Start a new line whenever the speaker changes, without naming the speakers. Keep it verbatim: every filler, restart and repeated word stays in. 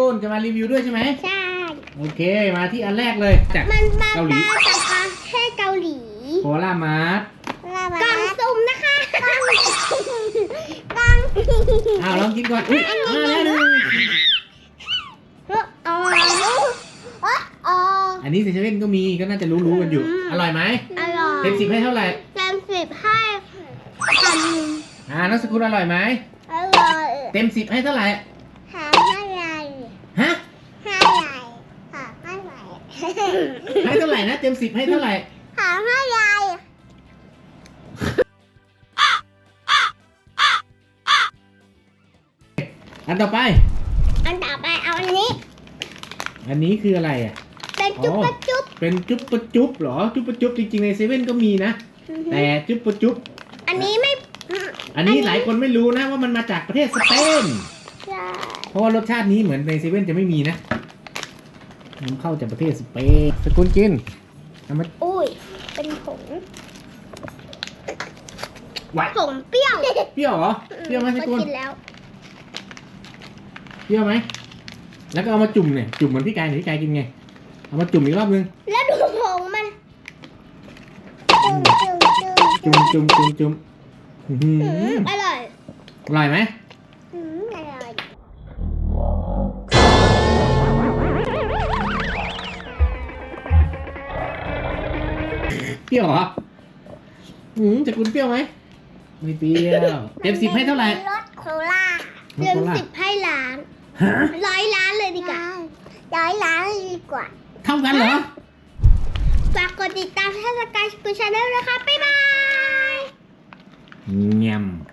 ลจะมารีวิวด้วยใช่ไหม
ใช่
โอเคมาที่อันแรกเลยจาก
มันมา
เกาหลี
จากประเทศเกาหลี
โคลามาร์ท
กล่องสุ่มนะคะกล่องกล่อง
อ้าวลองกินก่อนอุ้ยมาแล้วหนึ่ง
อ๋ออ๋อ
อันนี้เซเว่นก็มีก็น่าจะรู้ๆกันอยู่ อร่อยไหม
อร่อย
เต็มสิบให้เท่าไหร่
เต็มสิบให้พัน
อ่านักสกุลอร่อยไหม
อร่อย
เต็มสิบให้เท่าไหร่
หาให้ไร
ฮะ
ให้ไรหาให้ไร
ให้เท่าไหร่นะเต็มสิบให้เท่าไหร่
หาให้ไร
อันต่อไป
อันต่อไปเอาอันนี้
อันนี้คืออะไรอ่ะ
เป็นจุ๊บปะจุ๊บ
เป็นจุ๊บปะจุ๊บเหรอจุ๊บปะจุ๊บจริงๆในเซเว่นก็มีนะแต่จุ๊บปะจุ๊บ
อันนี้ไม่
อันนี้หลายคนไม่รู้นะว่ามันมาจากประเทศสเปน
ใช่
เพราะว่ารสชาตินี้เหมือนในเซเว่นจะไม่มีนะนำเข้าจากประเทศสเปนสกุลกินเอามา
อุ้ยเป็นผง
ไหว
ผงเปรี้ยว
เปรี้ยวเหรอเปรี้ยวไหมสกุล
กินแล้ว
เปรี้ยวไหมแล้วก็เอามาจุ่มเนี่ยจุ่มเหมือนพี่กายหรือพี่กายกินไงเอามาจุ่มอีกรอบนึง
แล้วดูผงมันจุ่มจุ่มจุ่ม
จุ่มจุ่มจุ่มจุ่มอื้อหื
อื
อ
มอร่อย
อร่อยไหม
อืมอร่อย
เปรี้ยวเหรออืมสกุลเปรี้ยวไหมไม่เปรี้ยวเต็มสิบให้เท่าไหร่
รสโคลาเต็มสิบให้ล้าน
ฮะ
ร้อยล้านเลยดีกว่าร้อยล้านดีกว่า
เท่ากันเหรอ
ฝากกดติดตามช่องสกายสกูชาแนลนะคะ บ๊ายบาย
เงียม